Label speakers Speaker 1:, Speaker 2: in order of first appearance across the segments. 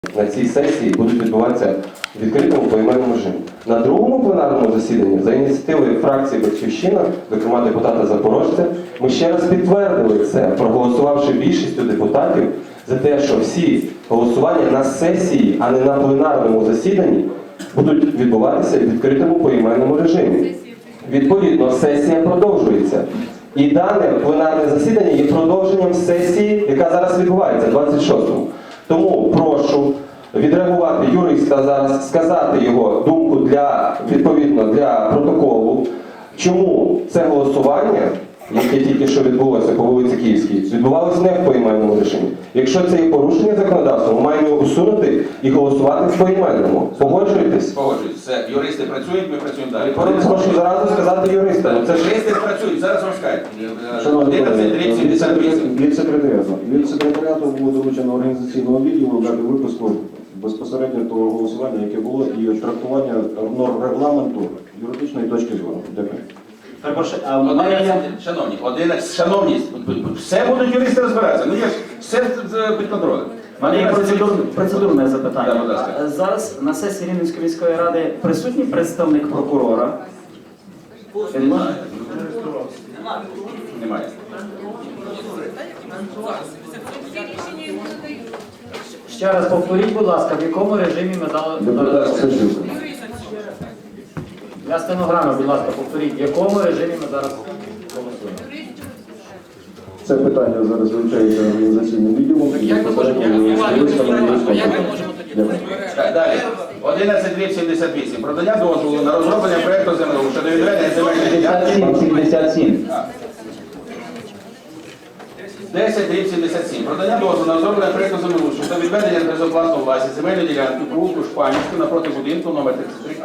Speaker 1: на цій сесії будуть відбуватися в відкритому поіменному режимі. На другому пленарному засіданні за ініціативою фракції «Батьківщина», зокрема депутата Запорожця, ми ще раз підтвердили це, проголосувавши більшістю депутатів за те, що всі голосування на сесії, а не на пленарному засіданні, будуть відбуватися в відкритому поіменному режимі. Відповідно, сесія продовжується. І дане пленарне засідання є продовженням сесії, яка зараз відбувається, 26-му. Тому прошу відреагувати юриста зараз, сказати його думку відповідно для протоколу, чому це голосування, яке тільки що відбулося по вулиці Київській, відбувалося не в поіменному режимі. Якщо це є порушення законодавства, ми маємо його усунути і голосувати в поіменному. Погоджуєтесь?
Speaker 2: Погоджуюсь. Все. Юристи працюють, ми працюємо далі.
Speaker 1: Прошу зразу сказати юристам. Це ж
Speaker 2: Юристи працюють, зараз розкажуть.
Speaker 3: Шановні колеги,
Speaker 2: 11:38.
Speaker 3: від секретаріату було доручено організаційного відділу дати виписку безпосередньо того голосування, яке було, і трактування норм регламенту юридичної точки зору. Дякую.
Speaker 2: Шановні, все будуть юристи розбиратися. Ну, я ж все під контролем.
Speaker 4: У мене є процедурне запитання.
Speaker 2: Да, будь ласка.
Speaker 4: Зараз на сесії Рівненської міської ради присутній представник прокурора?
Speaker 2: Немає.
Speaker 4: Ще раз повторіть, будь ласка, в якому режимі ми дали... Для стенограми, будь ласка, повторіть, в якому режимі ми зараз голосуємо?
Speaker 3: Це питання зараз вивчається організаційним відділом.
Speaker 2: Так, далі. 11:78. Про надання дозволу на розроблення проєкту землеустрою щодо відведення земельних ділянок.
Speaker 4: 77.
Speaker 2: 10:77. Про надання дозволу на розроблення проєкту землеустрою щодо відведення безоплатної власності земельної ділянки по вулику Шпанівську напроти будинку номер 33А.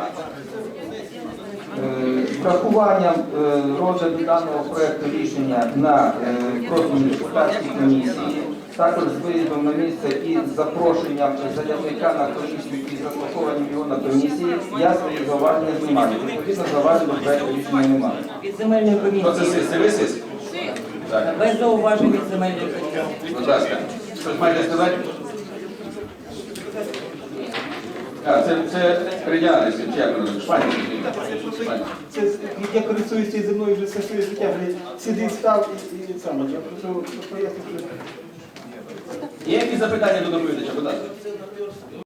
Speaker 5: Врахуванням розгляду даного проєкту рішення на профільній депутатській комісії, також з виїздом на місце і з запрошенням заявника на комісію і заслуховуванням його на комісії, я свої зауваження знімаю. Відповідно, зауважень до проєкту рішення немає.
Speaker 6: Від земельної
Speaker 2: Хто це
Speaker 6: комісії.
Speaker 2: сис? Це ви сис? Так.
Speaker 6: Без зауважень від земельної комісії.
Speaker 2: Будь ласка. Щось маєте сказати? Це придянець, чи як воно? Шпанівський.
Speaker 5: Це, я користуюсь цією земною вже все своє життя, сидить, став і саме. Я прошу пояснити.
Speaker 2: Є якісь запитання до доповідача? Будь ласка.